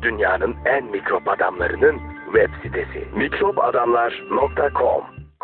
Dünyanın en mikrop adamlarının web sitesi. mikropadamlar.com.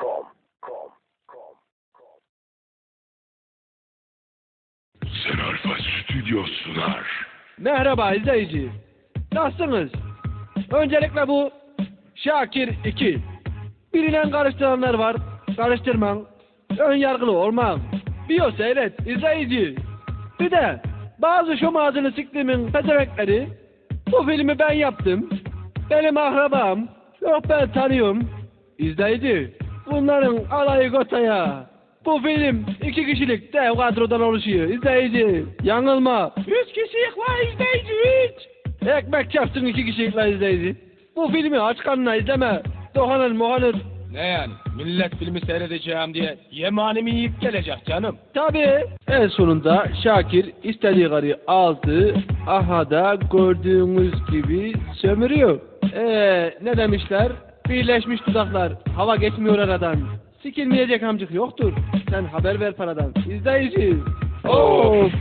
Sen Alfa Stüdyo sunar. Merhaba izleyici. Nasılsınız? Öncelikle bu Şakir 2. Bilinen karıştıranlar var. Karıştırman. Ön yargılı olmam. Biyo seyret izleyici. Bir de bazı şom ağzını siktiğimin pezevekleri. Bu filmi ben yaptım. Benim akrabam. Yok ben tanıyorum. İzleyici. Bunların alayı gotaya. Bu film 2 kişilik dev kadrodan oluşuyor. İzleyici. Yanılma. 3 kişilik var izleyici 3. Ekmek çarpsın 2 kişilik var izleyici. Bu filmi aç karnına izleme. Dokanır mohanır. Ne yani? Millet filmi seyredeceğim diye yemanimi yiyip gelecek canım. Tabii. En sonunda Şakir istediği karıyı aldı. Aha da gördüğünüz gibi sömürüyor. Ne demişler? Birleşmiş dudaklar. Hava geçmiyor aradan. Sikilmeyecek amcık yoktur. Sen haber ver paradan. İzleyici. Of.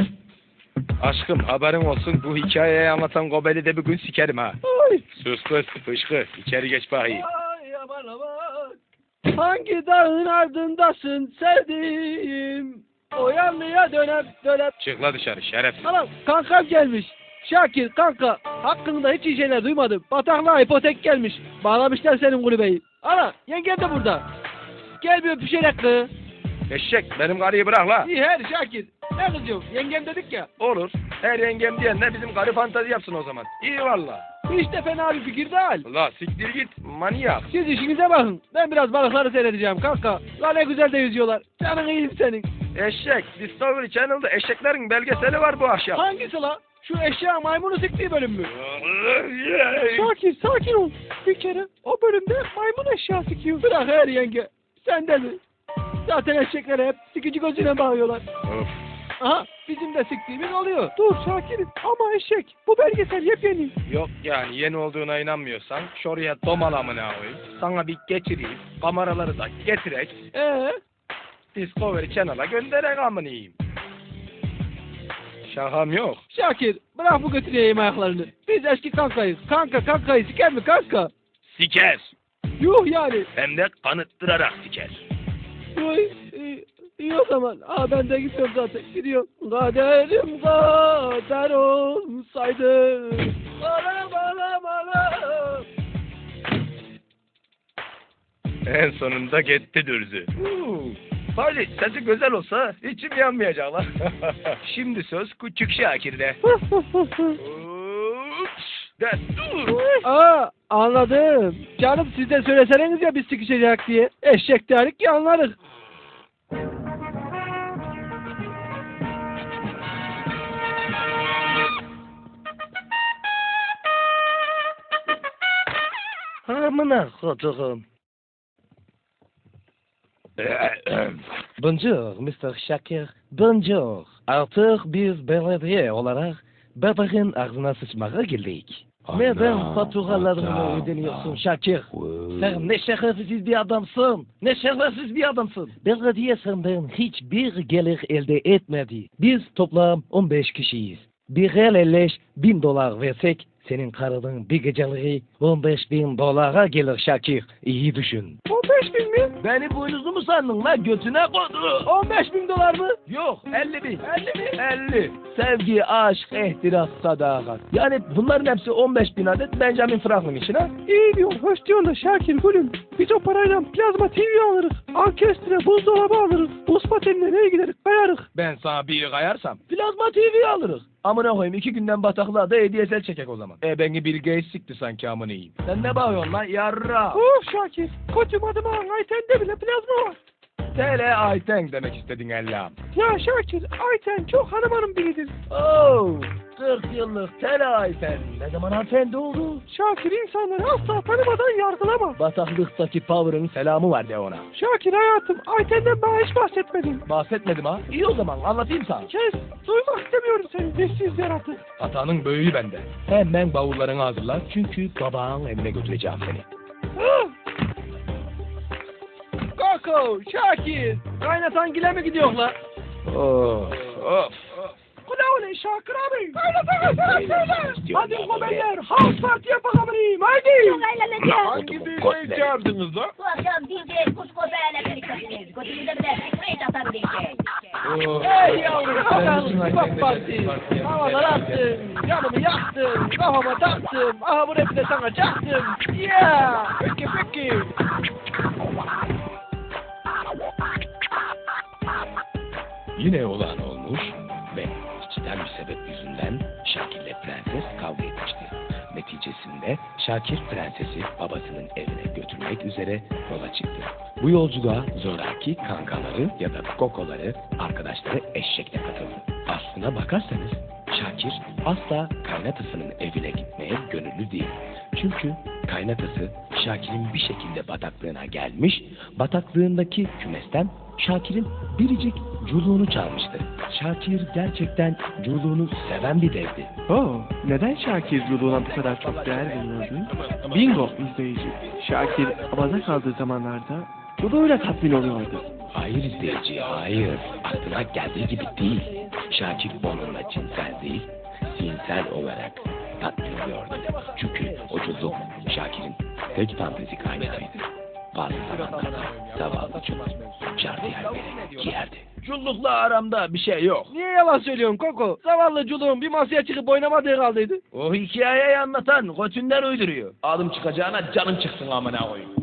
Aşkım haberin olsun bu hikayeyi anlatan Gobel'i de bir gün sikerim ha. Ay. Sus kız fışkı içeri geç bakayım. Ay aman aman. Hangi dağın ardındasın sevdiğim? O yanlıya dönep. Çık la dışarı şerefsiz. Anam kankam gelmiş. Şakir kanka hakkında hiç iyi şeyler duymadım. Bataklığa ipotek gelmiş. Bağlamışlar senin kulübeyi. Ana yengen de burada. Gel bir öpüşerek kız. Eşek benim karıyı bırak la. İyi her Şakir. Ne kızıyorsun? Yengem dedik ya. Olur. Her yengem diyenle bizim karı fantazi yapsın o zaman. İyi valla. Hiç de fena bir fikir değil. La siktir git manyak. Siz işinize bakın. Ben biraz balıkları seyredeceğim kanka. La ne güzel de yüzüyorlar. Canın iyiyim senin. Eşek Discovery Channel'da eşeklerin belgeseli var bu akşam. Hangisi la? Şu eşya maymunu siktiği bölüm mü? Şakir sakin ol. Bir kere o bölümde maymun eşya sikiyor. Bırak her yenge. Sen de mi? Zaten eşeklere hep sikici gözüne bağlıyorlar. Of. Aha bizim de siktiğimiz oluyor. Dur Şakir'im ama eşek. Bu belgesel yepyeni. Yok yani yeni olduğuna inanmıyorsan şuraya domalamına koyayım. Sana bir getireyim. Kameraları da getirek. Discovery Channel'a gönderek amınıyım. Şakam yok. Şakir bırak bu götüreyim ayaklarını. Biz eski kankayız. Kankayı siker mi kanka? Siker. Yuh yani. Hem de kanıttırarak siker. Uy, iyi o zaman. Ben de gidiyorum zaten. Gidiyorum. Kaderim kader olsaydı. Bana. En sonunda gitti dürzü. Hadi sesi güzel olsa içim yanmayacak lan. Şimdi söz küçük Şakir'de. Destur. Anladım. Canım siz de söyleseniz ya biz sıkışacak diye. Eşek derik ki anlarız. Amına koduğum. Bonjour Mr. Şakir. Bonjour. Artık biz belediye olarak bebeğin ağzına sıçmaya geldik. Neden faturalarını ödeniyorsun Şakir? Sen ne şerefsiz bir adamsın. Ne şerefsiz bir adamsın. Belediye senden hiçbir gelir elde etmedi. Biz toplam 15 kişiyiz. Bir el $50.000 versek senin karının bir geceliği $15.000 gelir Şakir. İyi düşün. 15.000 mi? Beni boynuzlu mu sandın la götüne kodu? $15.000 mı? Yok 50.000. 50 mi? 50. Sevgi, aşk, ihtiras, sadakat. Yani bunların hepsi 15.000 adet Benjamin Franklin için ha? İyi diyorsun, hoş diyorsun da Şakir gülüm. Biz o parayla plazma TV alırız. Orkestra, buzdolabı alırız. Buz patenine neye gideriz? Kayarız. Ben sana bir kayarsam. Plasma TV alırız. Amına koyayım 2 günden bataklığa da HDSL çekek o zaman. Beni Bill Gates sikti sanki amına yiyeyim. Sen ne bağırıyorsun lan yarra? Şakir, koçum adıma Ayten'de bile plazma var. TL Ayten demek istedin Allah'ım. Ya Şakir, Ayten çok hanım biridir. Oo, 40 yıllık tel Ayten. Ne zaman hanımefendi oldu? Şakir insanları asla tanımadan yargılama. Bataklıktaki Power'ın selamı var de ona. Şakir hayatım, Ayten'den bana hiç bahsetmedin. Bahsetmedim ha. İyi o zaman anlatayım sana. Kes, duymak istemiyorum seni nefsiz yaratık. Hatanın büyüğü bende. Hemen bavullarını hazırla çünkü babağın evine götüreceğim seni. Koko, Şakir, kaynatan gile mi gidiyor la? Of of. ne öyle Şakir abi? Hadi gobeller, house party yapalım haydi. Çok eğleneceğiz. Hangi DJ'yi çağırdınız da? Bu akşam DJ Kuşko Bey'le birliktesiniz. Götünüze bir de sprey atar DJ. Hey yavrum, bakalım bak parti. Havalar attım, canımı yaktım, kafama taktım. Aha bu rapi de sana çaktım. Yeah, peki. Yine olan olmuş ve içten bir sebep yüzünden Şakir ile Prenses kavga etmişti. Neticesinde Şakir Prenses'i babasının evine götürmek üzere yola çıktı. Bu yolculuğa zoraki kankaları ya da kokoları, arkadaşları eşekle katıldı. Aslına bakarsanız Şakir asla kaynatasının evine gitmeye gönüllü değil. Çünkü kaynatası Şakir'in bir şekilde bataklığına gelmiş, bataklığındaki kümesten Şakir'in biricik culuğunu çalmıştı. Şakir gerçekten culuğunu seven bir devdi. Neden Şakir culuğuna bu kadar çok değer veriyordu? Bingo izleyici. Şakir havada kaldığı zamanlarda culuğuyla tatmin oluyordu. Hayır izleyici, hayır. Aklına geldiği gibi değil. Şakir onunla cinsel değil, zihinsel olarak tatmin oluyordu. Çünkü o culuk Şakir'in tek fantezi kaynağıydı. Bazı zamanlarda zavallı culuk jardiyer giyerdi. Cullukla aramda bir şey yok. Niye yalan söylüyorsun Koko? Zavallı culuğun bir masaya çıkıp oynamadığı kaldıydı. O hikayeyi anlatan götünden uyduruyor. Adım çıkacağına canım çıksın amına koyayım.